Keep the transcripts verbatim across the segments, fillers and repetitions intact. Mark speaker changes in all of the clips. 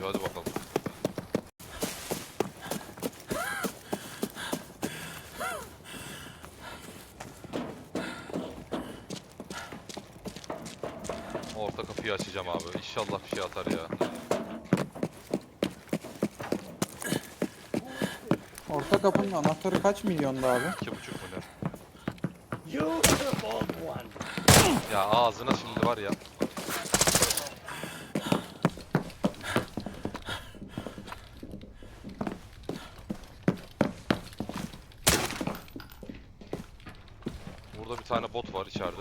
Speaker 1: hadi bakalım. Orta kapıyı açacağım abi. İnşallah bir şey atar ya.
Speaker 2: Orta kapının anahtarı kaç milyonda abi?
Speaker 1: İki buçuk mu ne? Ya ağzına şimdi var ya. Burada bir tane bot var içeride.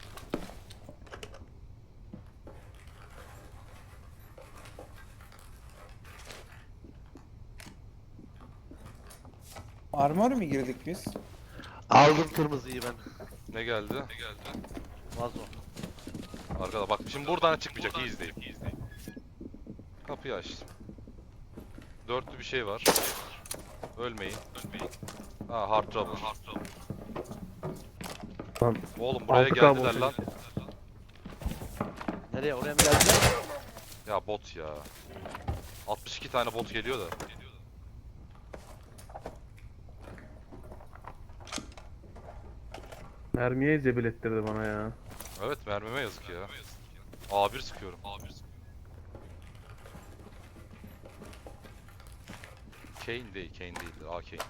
Speaker 2: Armor mu girdik biz?
Speaker 3: Aldım kırmızıyı ben.
Speaker 1: Ne geldi? Ne geldi?
Speaker 3: Vazo.
Speaker 1: Arkada bak şimdi buradan çıkmayacak. İyi izleyin. İyi izleyin. Kapıyı açtım. Dörtlü bir şey var. Ölmeyin. Ölmeyin. Ha hard trouble. Hard trouble.
Speaker 4: Lan
Speaker 1: Oğlum buraya
Speaker 4: altı K
Speaker 1: geldiler
Speaker 4: bot
Speaker 1: lan.
Speaker 3: Nereye, oraya mı geldiler?
Speaker 1: Ya bot ya. altmış iki tane bot geliyor da.
Speaker 4: mermiye zebil ettirdi bana ya.
Speaker 1: Evet mermime yazık ya. A bir sıkıyorum. A bir sıkıyorum. Kane değil, Kane değildir. A Kane.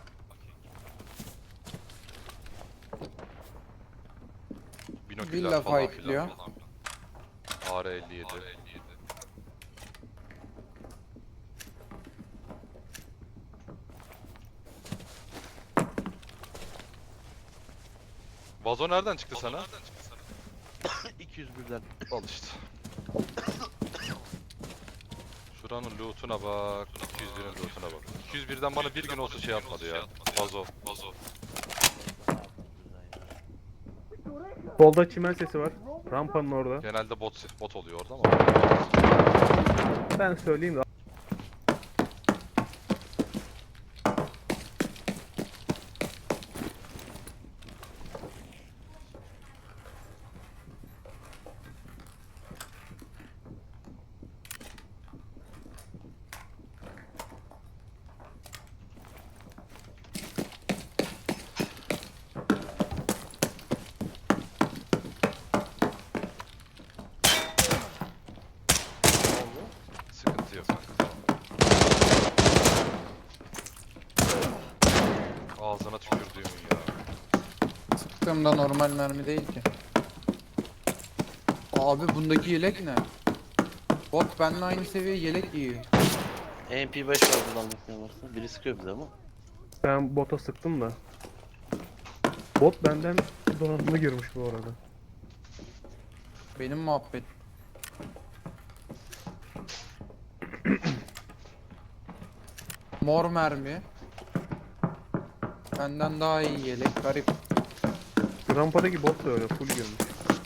Speaker 1: Binoküller
Speaker 2: Villa
Speaker 1: falan
Speaker 2: fightlıyor.
Speaker 1: filan. A R elli yedi. Vazo nereden çıktı sana?
Speaker 3: iki yüz birden.
Speaker 1: Al işte. Şuranın loot'una bak. iki yüz birin loot'una bak. iki yüz birden bana bir gün olsa şey yapmadı ya. Vazo. Vazo.
Speaker 4: Solda çimen sesi var. Rampanın orada.
Speaker 1: Genelde bot bot oluyor orada ama.
Speaker 4: Ben söyleyeyim de.
Speaker 1: Sıkıntı yok. Ağzına tükürdüğümün ya.
Speaker 2: Sıktığımda normal mermi değil ki. Abi bundaki yelek ne? Bot benimle aynı seviye yelek giyiyor.
Speaker 3: M P beş var buradan ne varsa. Biri sıkıyor bize ama.
Speaker 4: Ben bota sıktım da. Bot benden donanımlı girmiş bu arada.
Speaker 2: Benim muhabbet. Mor mermi. Benden daha iyi yelek. Garip.
Speaker 4: Şu rampadaki bot da öyle full girmiş.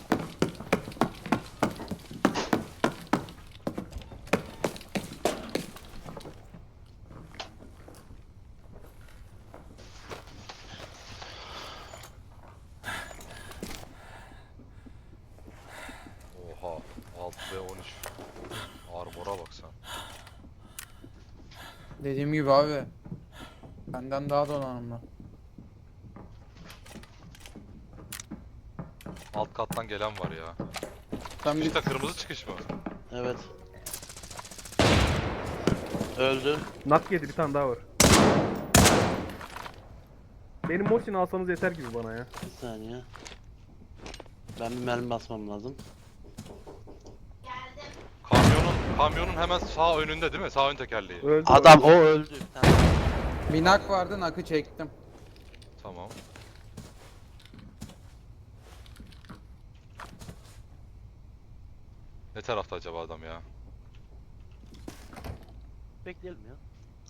Speaker 1: Oha. altı ve on üç. Armor'a bak sen.
Speaker 2: Dediğim gibi abi. Benden daha donanımlı.
Speaker 1: Alt kattan gelen var ya.
Speaker 2: Sen bir
Speaker 1: İşte kırmızı çıkış mı?
Speaker 3: Evet. Öldü.
Speaker 4: Nak yedi, bir tane daha var. Benim Mosin'i alsanız yeter gibi bana ya.
Speaker 3: Bir saniye. Ben bir mermi basmam lazım.
Speaker 1: Kamyonun kamyonun hemen sağ önünde değil mi? Sağ ön tekerleği.
Speaker 4: Öldü.
Speaker 3: Adam o öldü. Bir tane.
Speaker 2: bir nak vardı, nakı çektim.
Speaker 1: Tamam. Ne tarafta acaba adam ya?
Speaker 3: Bekleyelim ya.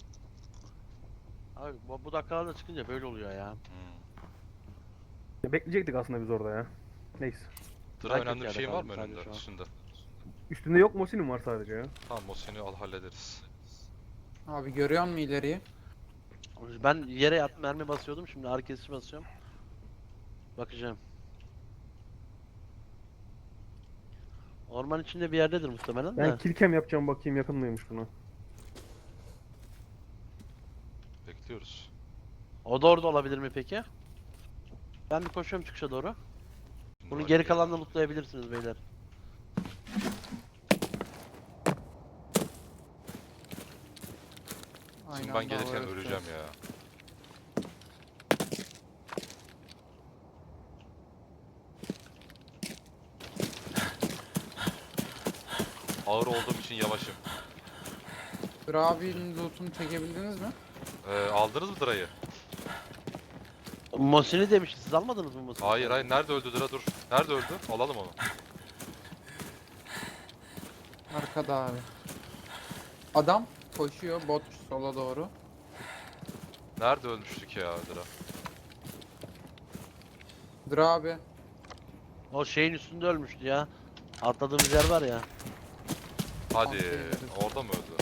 Speaker 3: Abi bu, bu dakikalarda çıkınca böyle oluyor ya.
Speaker 1: Hmm.
Speaker 4: Bekleyecektik aslında biz orada ya. Neyse.
Speaker 1: Tıra
Speaker 3: Merak
Speaker 1: önemli bir
Speaker 3: et
Speaker 1: şeyin
Speaker 3: yani
Speaker 1: var mı
Speaker 3: sadece
Speaker 1: önünde?
Speaker 3: şu an.
Speaker 1: Üstünde.
Speaker 4: Üstünde yok, Mosin'im var sadece ya.
Speaker 1: Tamam o seni al hallederiz.
Speaker 2: Abi görüyor musun ileriyi?
Speaker 3: Ben yere yattım mermi basıyordum, şimdi ağrı kesici basıyorum. Bakacağım. Orman içinde bir yerdedir muhtemelen de.
Speaker 4: Ben kilkem yapacağım, bakayım yakın mıymış buna.
Speaker 1: bekliyoruz.
Speaker 3: O da orada olabilir mi peki? Ben bir koşuyorum çıkışa doğru.
Speaker 1: Şimdi
Speaker 3: Bunu
Speaker 1: bak
Speaker 3: geri
Speaker 1: ya.
Speaker 3: kalanla lootlayabilirsiniz beyler.
Speaker 2: Aynı
Speaker 1: Şimdi ben
Speaker 2: anda
Speaker 1: gelirken
Speaker 2: havaya
Speaker 1: öleceğim
Speaker 2: tutuyor.
Speaker 1: ya. Ağır olduğum için yavaşım.
Speaker 2: Drabi'nin loot'unu çekebildiniz mi?
Speaker 1: Ee, aldınız mı Dra'yı?
Speaker 3: Mosin'i demişti. Siz almadınız mı Mosin'i?
Speaker 1: Hayır hayır, nerede öldü Dra, dur. Nerede öldü? Alalım onu.
Speaker 2: Arkada abi. Adam koşuyor bot sola doğru.
Speaker 1: Nerede ölmüştük ya Dra?
Speaker 2: Drabi.
Speaker 3: O şeyin üstünde ölmüştü ya. Atladığımız yer var ya.
Speaker 1: Hadi,
Speaker 2: Aferin.
Speaker 1: orada mı öldü?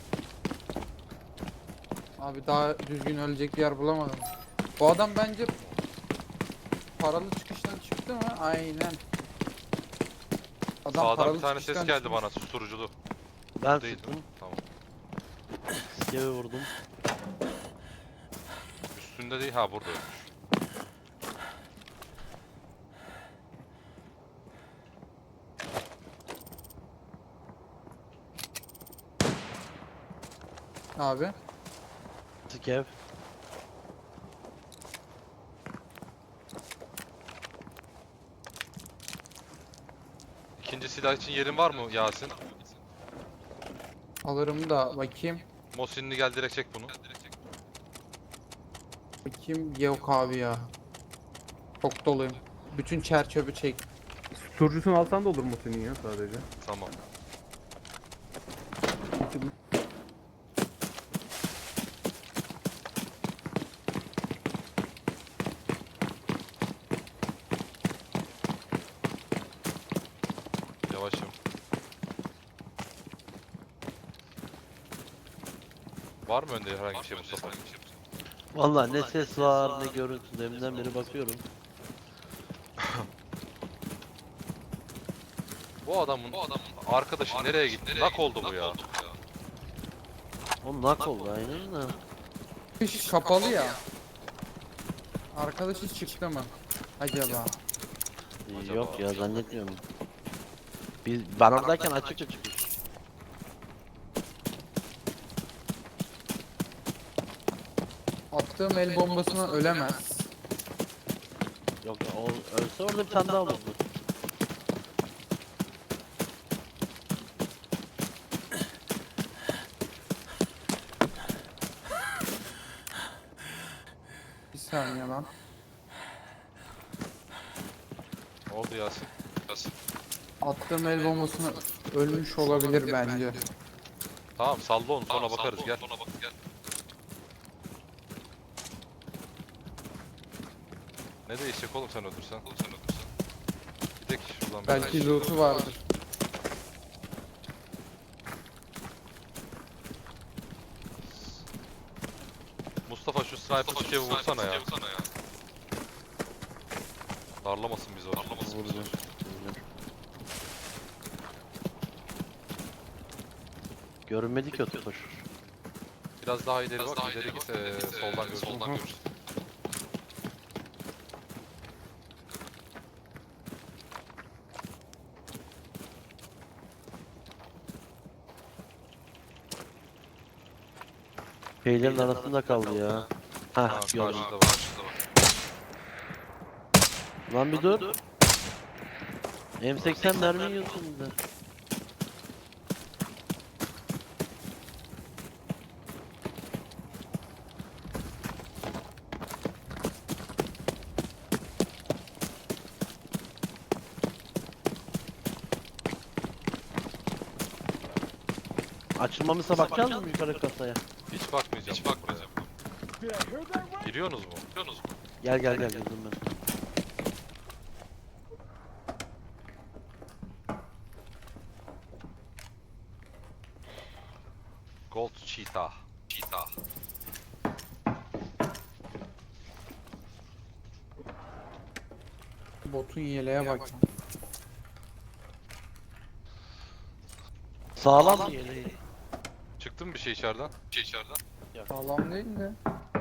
Speaker 2: Abi daha düzgün ölecek yer bulamadım. Bu adam bence paralı çıkıştan çıktı mı? Aynen. Adam
Speaker 1: Sağdan
Speaker 2: paralı
Speaker 1: bir tane ses
Speaker 2: çıkıştan
Speaker 1: geldi
Speaker 2: çıkmış.
Speaker 1: bana, susturuculu.
Speaker 3: Ben
Speaker 1: Değil
Speaker 3: sıktım.
Speaker 1: mi? Tamam.
Speaker 3: Skeve vurdum.
Speaker 1: Üstünde değil, ha burada ölmüş.
Speaker 2: Abi.
Speaker 3: Skev.
Speaker 1: İkinci silah için yerin var mı Yasin?
Speaker 2: Alırım da bakayım.
Speaker 1: Mosinli gel, direkt çek bunu.
Speaker 2: Bakayım yok abi ya. Çok doluyum. Bütün çer çöpü çek.
Speaker 4: Susturucusunu alsan da olur mu senin ya sadece?
Speaker 1: Tamam. Yavaşım. Var mı önde herhangi bir şey Mustafa?
Speaker 3: Vallahi ne ses var ne görüntü. Deminden beri bakıyorum.
Speaker 1: Bu adamın, bu adamın arkadaşı nereye gitti? Nak oldu bu ya.
Speaker 3: O nak oldu aynen de.
Speaker 2: Kış kapalı ya. Arkadaşı çıktı mı? Acaba?
Speaker 1: Acaba?
Speaker 3: Yok ya zannetmiyorum. Biz ben oradayken açık açık.
Speaker 2: Attığım el bombasına ölemez.
Speaker 3: Yok o ölse orada bir tane daha olurdu.
Speaker 2: Bir saniye lan.
Speaker 1: Ne oldu Yasin? Yasin.
Speaker 2: Attığım el bombasına ölmüş olabilir bence.
Speaker 1: Tamam, salla onu, sonra bakarız, gel. Ne değişecek oğlum sen öldürsen? Gidek şuradan.
Speaker 2: Belki loot'u vardır.
Speaker 1: Mustafa şu sniper çiçeği vursana ya. Darlamasın bizi o.
Speaker 3: Vuracağım. Vuracağım. Görünmedi ki o tutuş.
Speaker 1: Biraz daha ileri bak, ileri git, ee, soldan görürsün. Soldan görürsün.
Speaker 3: Şeylerin arasında kaldı ya.
Speaker 1: Ha,
Speaker 3: Ha gördüm.
Speaker 1: karşıda var.
Speaker 3: Lan bir dur. M seksen mermi yiyorsun bir de. Açılmamışsa bakacağız mı yukarı kasaya?
Speaker 1: Hiç bakmayacağım. Hiç bakmayacağım. Giriyorsunuz mu? Giriyorsunuz mu?
Speaker 3: Gel gel gel girdim ben.
Speaker 1: Gold Cheetah. Cheetah.
Speaker 2: Botun yeleğe bak.
Speaker 3: Sağlam bir yeleği.
Speaker 1: Çıktı mı bir şey içeriden? Bir şey içeriden.
Speaker 2: Sağlam değil de.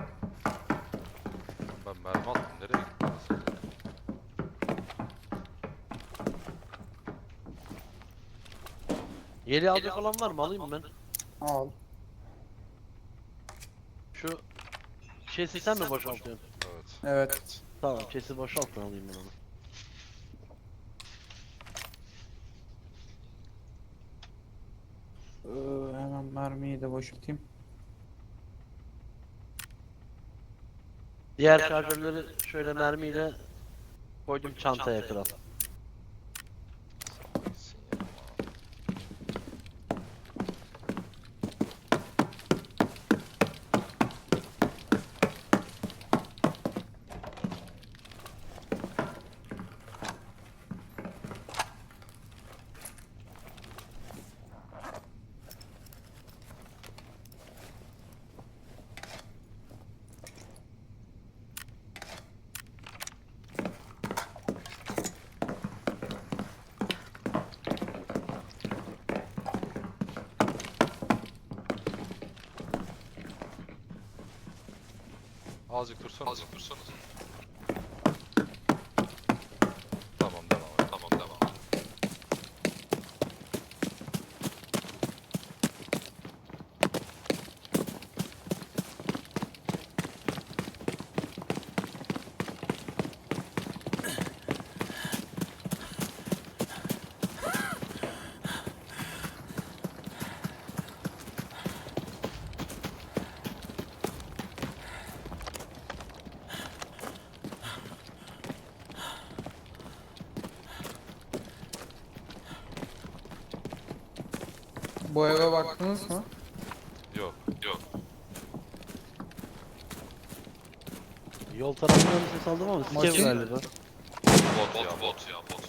Speaker 3: Yeli alacak olan var mı? Alayım mı ben?
Speaker 2: Al.
Speaker 3: Şu chest'i sen mi boşaltıyorsun?
Speaker 1: Evet.
Speaker 2: Evet.
Speaker 3: Tamam, chest'i boşalt ben alayım ben onu.
Speaker 2: Ee, hemen mermiyi de boşaltayım.
Speaker 3: Diğer şarjörleri şöyle mermiyle koydum çantaya kral.
Speaker 1: Gitsin ya. Azıcık dursana. Azıcık dursana. Tamam devam et. Tamam devam et.
Speaker 2: Bu eve baktınız mı?
Speaker 1: Yok. Yok.
Speaker 3: Yol tarafından ses aldım ama sikev
Speaker 2: Maşin-
Speaker 3: galiba.
Speaker 1: Bot ya bot ya bot.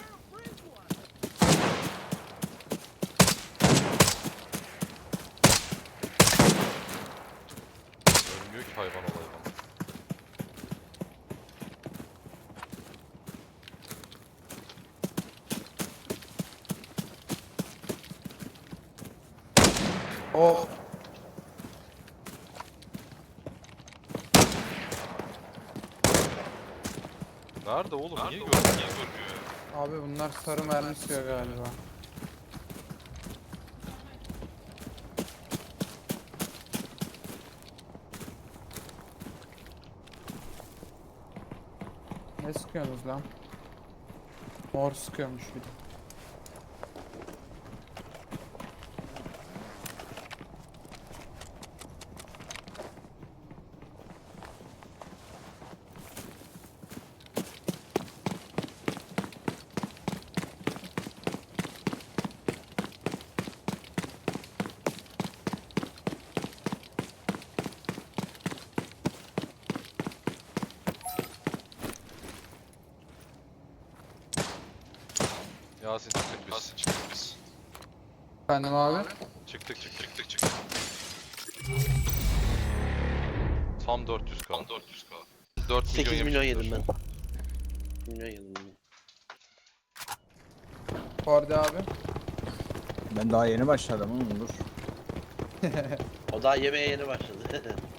Speaker 1: Ölmüyor ki hayvan olayı bana.
Speaker 2: O
Speaker 1: Nerede oğlum? Niye görmüyor? Niye görmüyor ya?
Speaker 2: abi bunlar sarı mermi sıkıyor galiba. Ne sıkıyorsunuz lan? Mor sıkıyormuş bir de.
Speaker 1: Yasin çıktık biz. Yasin çıktık biz.
Speaker 2: Efendim abi?
Speaker 1: Çıktık çıktık çıktık çıktık. Tam dört yüz k. Tam dört yüz k. dört milyon
Speaker 3: sekiz milyon
Speaker 1: yemişizdir
Speaker 3: yedim
Speaker 1: şu
Speaker 3: ben.
Speaker 1: an.
Speaker 3: Milyon yedim ben.
Speaker 2: Kordi abi.
Speaker 5: Ben daha yeni başladım oğlum dur.
Speaker 3: O daha yemeğe yeni başladı.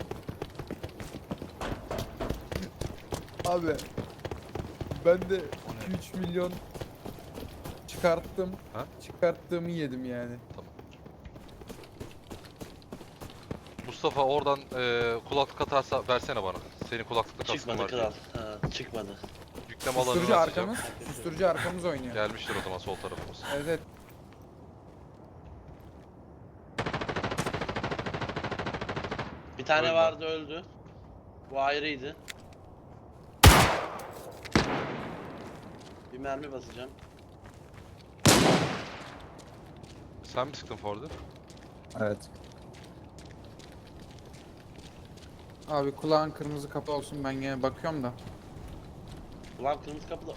Speaker 2: Abi. Ben de üç milyon çıkarttım.
Speaker 1: Ha?
Speaker 2: Çıkarttığımı yedim yani.
Speaker 1: Mustafa oradan e, kulaklık atarsa versene bana. Senin kulaklıkla kaskın
Speaker 3: Çıkmadı
Speaker 1: var.
Speaker 3: kral. Ha, çıkmadı.
Speaker 1: Yükleme alanını
Speaker 2: Susturucu
Speaker 1: atacağım.
Speaker 2: arkamız. Susturucu arkamız oynuyor.
Speaker 1: Gelmiştir o zaman sol tarafımız.
Speaker 2: Evet, evet.
Speaker 3: Bir tane
Speaker 1: Öldü.
Speaker 3: vardı öldü. Bu ayrıydı. Bir mermi basacağım.
Speaker 1: Sen mi sıktın Ford'u?
Speaker 5: Evet.
Speaker 2: Abi kulağın kırmızı kapı olsun, ben gene bakıyorum da.
Speaker 3: Ulan kırmızı kapıda.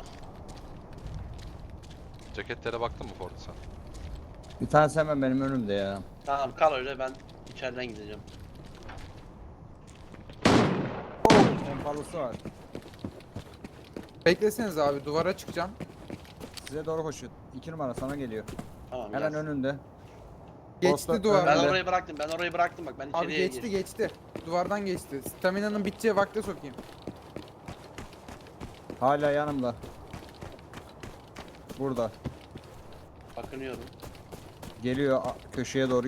Speaker 1: Ceketlere baktın mı Ford'u sen?
Speaker 5: Bir tanesi hemen benim önümde ya.
Speaker 3: Tamam kal öyle, ben içeriden gideceğim.
Speaker 5: Pompalısı var.
Speaker 2: Bekleseniz abi, duvara çıkacağım.
Speaker 5: Size doğru koşuyor. İki numara sana geliyor.
Speaker 3: Tamam
Speaker 5: Hemen
Speaker 3: gel.
Speaker 5: önünde.
Speaker 2: Geçti
Speaker 5: Posta-
Speaker 2: duvardan.
Speaker 3: Ben
Speaker 5: önünde.
Speaker 3: orayı bıraktım, ben orayı bıraktım bak, ben
Speaker 2: Abi
Speaker 3: içeriye
Speaker 2: geçti
Speaker 3: girdim.
Speaker 2: geçti. Duvardan geçti. Stamina'nın biteceği vakte sokayım.
Speaker 5: Hala yanımda. Burada.
Speaker 3: Bakınıyorum.
Speaker 5: Geliyor a- köşeye doğru.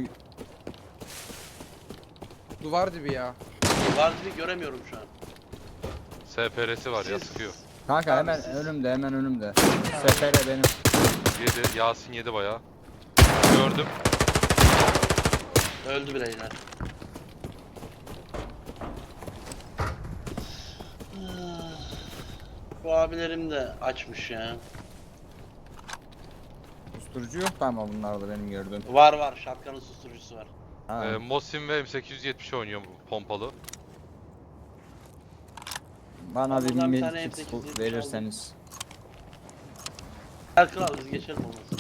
Speaker 2: Duvar dibi ya.
Speaker 3: Var dibi göremiyorum şu an.
Speaker 1: S P R'si var ya
Speaker 3: Siz-
Speaker 1: sıkıyor.
Speaker 5: Kanka
Speaker 3: Abi
Speaker 5: hemen
Speaker 3: siz-
Speaker 5: önümde, hemen önümde. Sefere benim.
Speaker 1: Yedi. Yasin yedi bayağı. Gördüm.
Speaker 3: Öldü bireyler. Bu abilerim de açmış ya.
Speaker 5: Susturucu yok da ama bunlarda benim gördüğüm.
Speaker 3: Var var, şapkanın susturucusu var.
Speaker 5: Ha.
Speaker 1: Ee, Mosin ve M sekiz yüz yetmiş oynuyor bu pompalı.
Speaker 5: Bana bir
Speaker 3: Buradan bir tane
Speaker 5: medkit
Speaker 3: M sekiz yüz yetmiş
Speaker 5: verirseniz.
Speaker 3: Gel kral biz geçelim olmasın.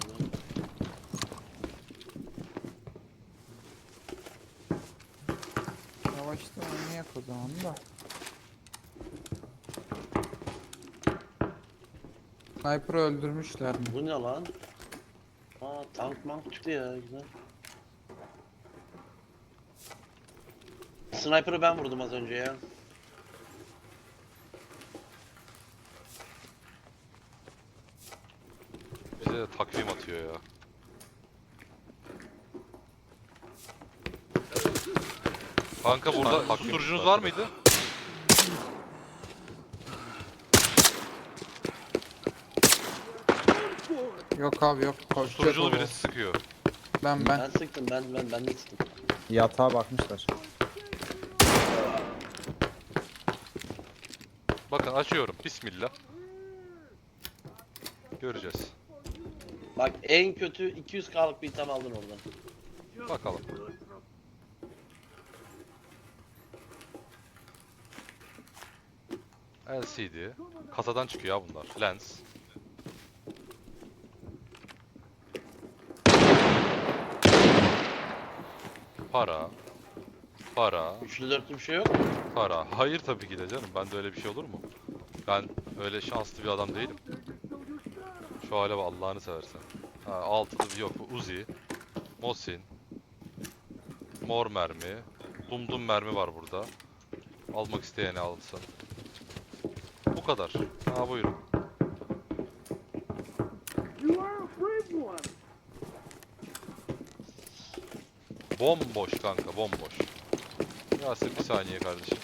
Speaker 2: Yavaşta oynayak o zaman da. Sniper'ı öldürmüşler mi?
Speaker 3: Bu ne lan? Aa tank mank çıktı ya güzel. Sniper'ı ben vurdum az önce ya.
Speaker 1: Bize de takvim atıyor ya. Kanka burada susturucunuz var mıydı?
Speaker 2: Yok abi yok. Koşacak
Speaker 1: Susturuculu
Speaker 2: o.
Speaker 1: birisi sıkıyor.
Speaker 2: Ben
Speaker 3: Ben
Speaker 2: ben.
Speaker 3: sıktım ben ben ben de sıktım.
Speaker 5: Yatağa bakmışlar.
Speaker 1: Bakın açıyorum. Bismillah. Göreceğiz.
Speaker 3: Bak en kötü iki yüz K'lık bir item aldın oradan.
Speaker 1: Bakalım. L C D. Kasadan çıkıyor ya bunlar. Lens. Para. Para.
Speaker 3: Üçlü dörtlü bir şey yok mu?
Speaker 1: Para. Hayır tabii ki de canım. Bende öyle bir şey olur mu? Ben öyle şanslı bir adam değilim. Şu hale bak Allah'ını seversen. Ha, altılı yok bu Uzi. Mosin. Mor mermi. Dumdum mermi var burada. Almak isteyeni alsın. Bu kadar. Ha buyurun. Bomboş kanka bomboş. Yasin bir saniye kardeşim.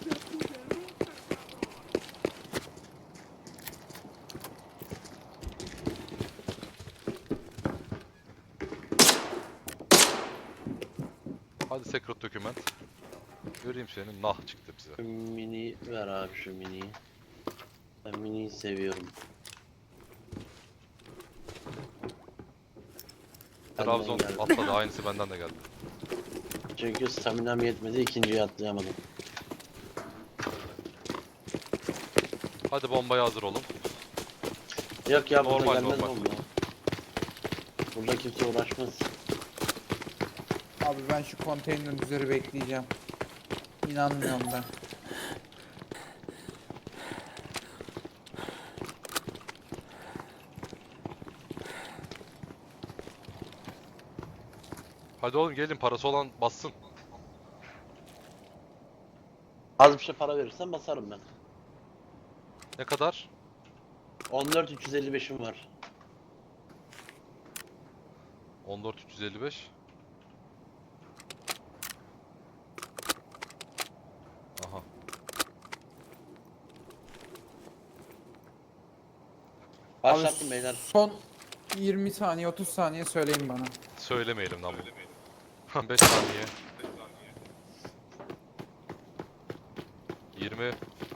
Speaker 1: Hadi secret document. Göreyim senin nah çıktı bize.
Speaker 3: Şu mini ver abi şu miniyi. Ben miniyi seviyorum. Benden
Speaker 1: Trabzon
Speaker 3: geldi.
Speaker 1: atladı aynısı benden de geldi.
Speaker 3: Çünkü staminam yetmedi ikinciyi atlayamadım.
Speaker 1: Hadi bombaya hazır olun.
Speaker 3: Yok ya burada
Speaker 1: Normal,
Speaker 3: gelmez
Speaker 1: normal.
Speaker 3: bomba. Burada kimse uğraşmaz.
Speaker 2: Abi ben şu konteyner üzeri bekleyeceğim. İnanmıyorum ben.
Speaker 1: Hadi oğlum gelin parası olan bassın.
Speaker 3: Az bir şey para verirsen basarım ben.
Speaker 1: Ne kadar?
Speaker 3: on dört üç yüz elli beşim var.
Speaker 1: on dört üç yüz elli beş. Aha.
Speaker 3: Başlattım
Speaker 2: Abi
Speaker 3: beyler.
Speaker 2: son yirmi saniye otuz saniye söyleyin bana.
Speaker 1: Söylemeyelim lan bunu. beş saniye. yirmi.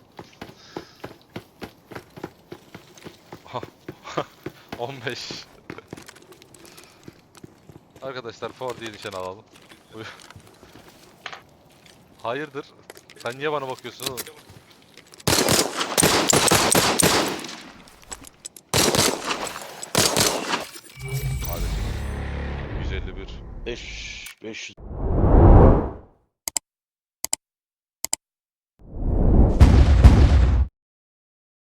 Speaker 1: Aha. on beş. Arkadaşlar Ford diye nişan alalım. Buyur. Hayırdır? Sen niye bana bakıyorsun oğlum?